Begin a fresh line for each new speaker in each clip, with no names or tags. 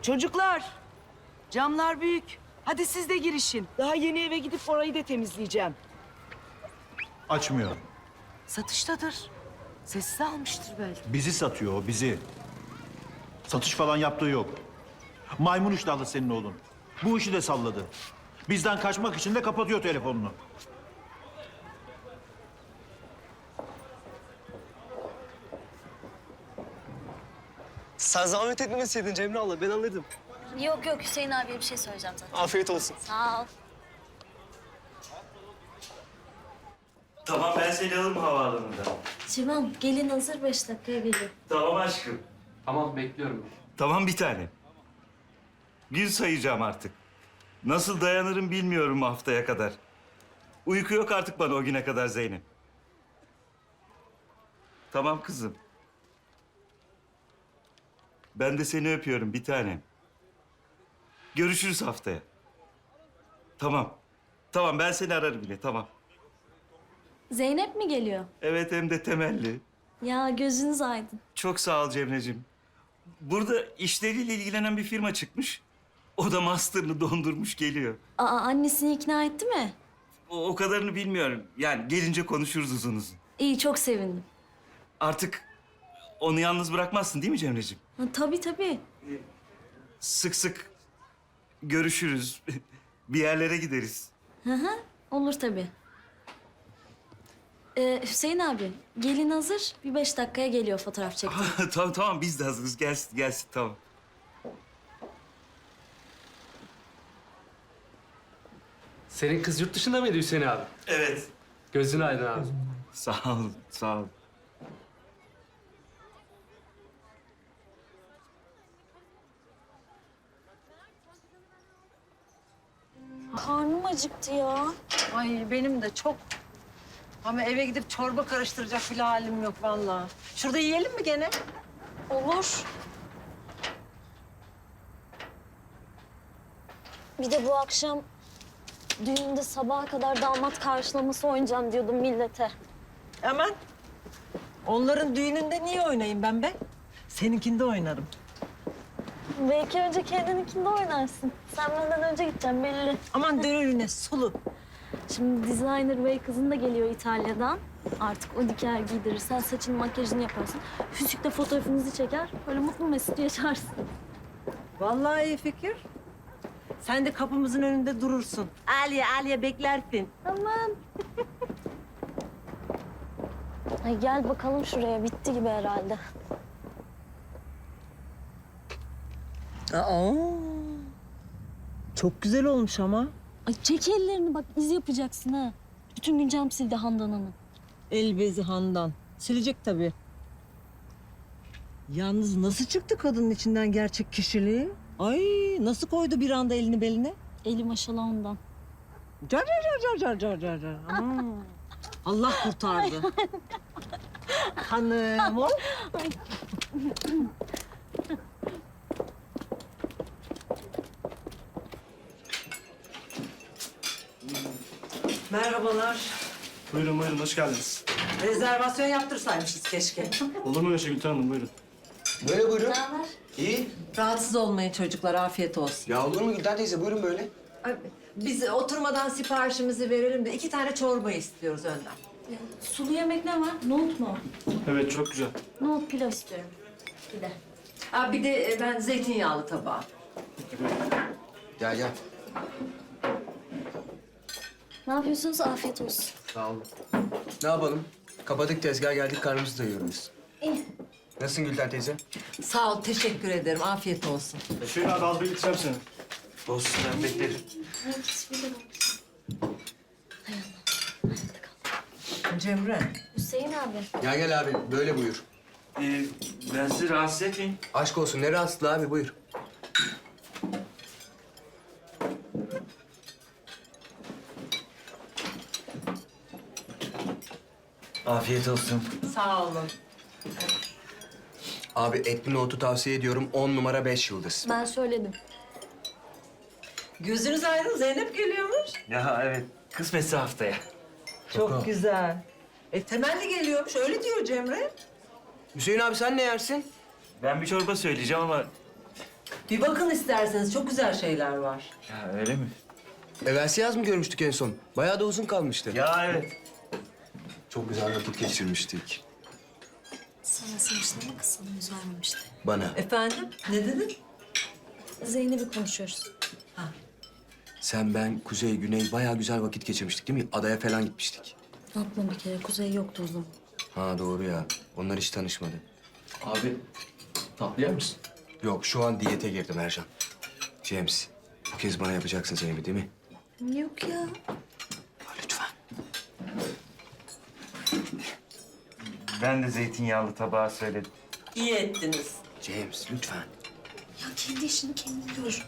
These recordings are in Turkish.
Çocuklar, camlar büyük. Hadi siz de girişin. Daha yeni eve gidip orayı da temizleyeceğim.
Açmıyor.
Satıştadır. Sessiz almıştır belki.
Bizi satıyor o, bizi. Satış falan yaptığı yok. Maymun iştahlı senin oğlun. Bu işi de salladı. Bizden kaçmak için de kapatıyor telefonunu.
Sen zahmet etmemeseydin Cemre abla, ben alırdım.
Yok yok, Hüseyin abiye bir şey söyleyeceğim zaten.
Afiyet olsun.
Sağ ol.
Tamam ben seni alırım havaalanında.
Civan, gelin hazır 5 dakikaya geliyor.
Tamam aşkım.
Tamam, bekliyorum.
Tamam bir tane. Gün sayacağım artık. Nasıl dayanırım bilmiyorum haftaya kadar. Uyku yok artık bana o güne kadar Zeynep. Tamam kızım. Ben de seni öpüyorum bir tanem. Görüşürüz haftaya. Tamam. Tamam ben seni ararım yine tamam.
Zeynep mi geliyor?
Evet hem de temelli.
Ya gözünüz aydın.
Çok sağ ol Cemre'cim. Burada işleriyle ilgilenen bir firma çıkmış. O da master'ını dondurmuş geliyor.
Aa, annesini ikna etti mi?
O kadarını bilmiyorum. Yani gelince konuşuruz uzun uzun.
İyi, çok sevindim.
Artık onu yalnız bırakmazsın değil mi Cemre'ciğim?
Ha, tabii tabii.
Sık sık görüşürüz. Bir yerlere gideriz.
Hı hı, olur tabii. Hüseyin abi, gelin hazır. Bir 5 dakikaya geliyor fotoğraf çektim.
Tamam tamam biz de hazırız. Gelsin gelsin tamam.
Senin kız yurt dışında mıydı Hüseyin abi?
Evet.
Gözün aydın abi.
Sağ ol sağ ol.
Karnım acıktı ya.
Ay benim de çok. Ama eve gidip çorba karıştıracak bile halim yok vallahi. Şurada yiyelim mi gene?
Olur. Bir de bu akşam düğünde sabaha kadar damat karşılaması oynayacağım diyordum millete.
Aman. Onların düğününde niye oynayayım ben be? Seninkinde oynarım.
Belki önce kendininkinde oynarsın. Sen benden önce gideceksin belli.
Aman dönürüne sulu.
Şimdi designer bey kızın da geliyor İtalya'dan. Artık o diker giydirir. Sen saçını makyajını yaparsın. Füzükle fotoğrafınızı çeker. Böyle mutlu mesut yaşarsın.
Vallahi iyi fikir. Sen de kapımızın önünde durursun. Aliye beklersin.
Aman. Ay gel bakalım şuraya. Bitti gibi herhalde.
Aa. Çok güzel olmuş ama.
Ay çek ellerini bak iz yapacaksın ha. Bütün gün cam sildi Handan Hanım.
El bezi Handan. Silecek tabii. Yalnız nasıl çıktı kadının içinden gerçek kişiliği? Ay nasıl koydu bir anda elini beline?
Eli maşallah ondan.
Car car car car car car car. Aman. Allah kurtardı. Hanım o. Merhabalar.
Buyurun buyurun, hoş geldiniz.
Rezervasyon yaptırsaymışız keşke.
Olur mu öyle şey Gülten Hanım, buyurun.
Böyle buyurun.
Ne haber?
İyi.
Rahatsız olmayın çocuklar, afiyet olsun.
Ya olur mu Gülten teyze, buyurun böyle.
Ay, biz oturmadan siparişimizi verelim de 2 tane çorba istiyoruz önden.
Sulu yemek ne var? Nohut mu?
Evet, çok güzel.
Nohut pilav istiyorum. Bir de.
Ha, bir de ben zeytinyağlı tabağı.
Gel gel.
Ne yapıyorsunuz? Afiyet olsun.
Sağ olun. Ne yapalım? Kapadık tezgah, geldik karnımızı doyuruyoruz.
İyi.
Nasılsın Gülten teyze?
Sağ ol, teşekkür ederim. Afiyet olsun.
Hüseyin abi az bir gideceğim seni.
Olsun ben beklerim.
Cemre.
Hüseyin abi.
Gel gel abi, böyle buyur.
Ben sizi rahatsız etmeyeyim.
Aşk olsun, ne rahatsızlığı abi, buyur.
Afiyet olsun.
Sağ olun.
Abi etli nohutu tavsiye ediyorum, 10 numara 5 yıldız.
Ben söyledim.
Gözünüz aydın, Zeynep geliyormuş.
Ya evet kısmetse haftaya.
Çok güzel. Temelli geliyormuş, öyle diyor Cemre.
Hüseyin abi sen ne yersin?
Ben bir çorba söyleyeceğim ama
Bir bakın isterseniz çok güzel şeyler var.
Ya öyle mi?
Evvelsi yaz mı görmüştük en son? Bayağı da uzun kalmıştı.
Ya evet.
Çok güzel vakit geçirmiştik.
Sana saçlarına mı kısmını yüz vermemişti?
Bana.
Efendim? Ne dedin?
Zeynep'i konuşuyoruz.
Sen, ben, Kuzey, Güney bayağı güzel vakit geçirmiştik değil mi? Adaya falan gitmiştik.
Yapma bir kere. Kuzey yoktu o zaman.
Ha doğru ya. Onlar hiç tanışmadı.
Abi tatlı yer misin?
Yok şu an diyete girdim Ercan. James, bu kez bana yapacaksın Zeynep'i değil mi?
Yok ya.
Ha, lütfen.
Ben de zeytinyağlı tabağı söyledim.
İyi ettiniz.
James lütfen.
Ya kendi işini kendin gör.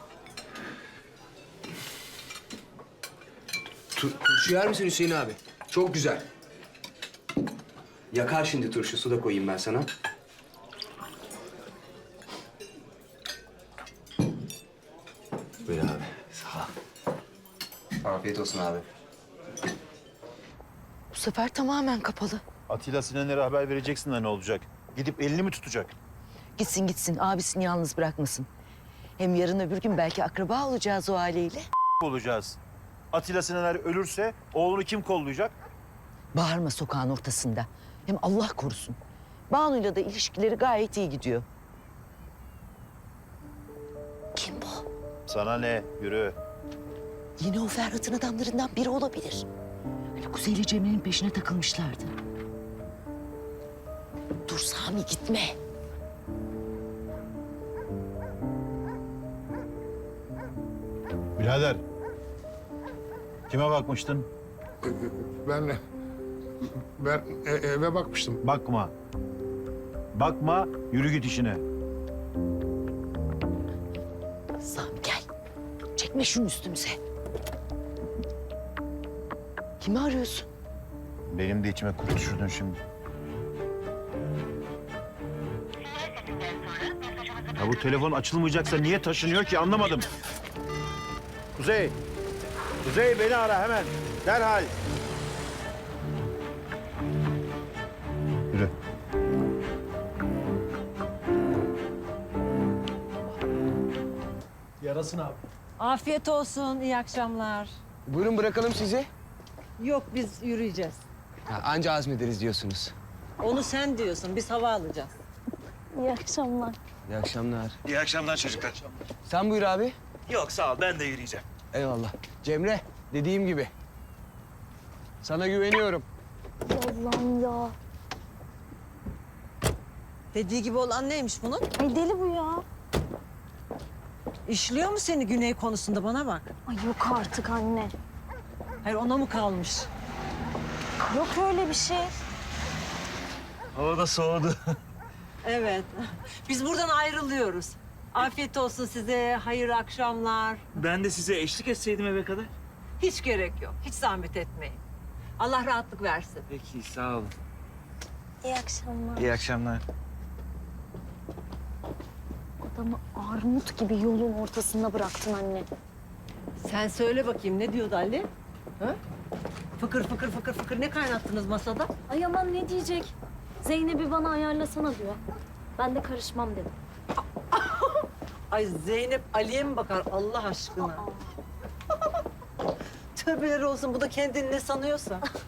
Turşu yer misin Hüseyin abi? Çok güzel. Yakar şimdi turşu. Su da koyayım ben sana. Buyur abi. Sağ ol. Afiyet olsun abi.
Bu sefer tamamen kapalı.
Atilla Sinan'a haber vereceksin de ne olacak? Gidip elini mi tutacak?
Gitsin gitsin abisini yalnız bırakmasın. Hem yarın öbür gün belki akraba olacağız o aileyle.
Olacağız. Atilla Sinaner ölürse oğlunu kim kollayacak?
Bağırma sokağın ortasında. Hem Allah korusun. Banu'yla da ilişkileri gayet iyi gidiyor. Kim bu?
Sana ne? Yürü.
Yine o Ferhat'ın adamlarından biri olabilir. Hani Kuzey ile Cemre'nin peşine takılmışlardı. Dur Sami gitme.
Birader. Kime bakmıştın?
Ben eve bakmıştım.
Bakma. Bakma, yürü git işine.
Sami gel. Çekme şunu üstümüze. Kimi arıyorsun?
Benim de içime kurt düşürdün şimdi. Ya bu telefon açılmayacaksa niye taşınıyor ki anlamadım. Kuzey. Kuzey beni ara hemen. Derhal. Yürü.
Afiyet olsun, iyi akşamlar.
Buyurun bırakalım sizi.
Yok biz yürüyeceğiz.
Ha, anca azmederiz diyorsunuz.
Onu sen diyorsun, biz hava alacağız.
İyi akşamlar.
İyi akşamlar.
İyi akşamlar çocuklar.
Sen buyur abi.
Yok sağ ol ben de yürüyeceğim.
Eyvallah. Cemre, dediğim gibi. Sana güveniyorum.
Allah'ım ya.
Dediği gibi olan neymiş bunun?
Ay deli bu ya.
İşliyor mu seni Güney konusunda bana bak.
Ay yok artık anne.
Hayır ona mı kalmış?
Yok öyle bir şey.
Hava da soğudu.
Evet. Biz buradan ayrılıyoruz. Afiyet olsun size, hayırlı akşamlar.
Ben de size eşlik etseydim eve kadar.
Hiç gerek yok, hiç zahmet etmeyin. Allah rahatlık versin.
Peki sağ olun.
İyi akşamlar.
İyi akşamlar.
Adamı armut gibi yolun ortasında bıraktın anne.
Sen söyle bakayım ne diyordu Ali? Ha? Fıkır fıkır fıkır fıkır ne kaynattınız masada?
Ay aman ne diyecek? Zeynep'i bana ayarlasana diyor. Ben de karışmam dedim.
Ay Zeynep Ali'ye mi bakar Allah aşkına? Tövbeler olsun bu da kendini ne sanıyorsa.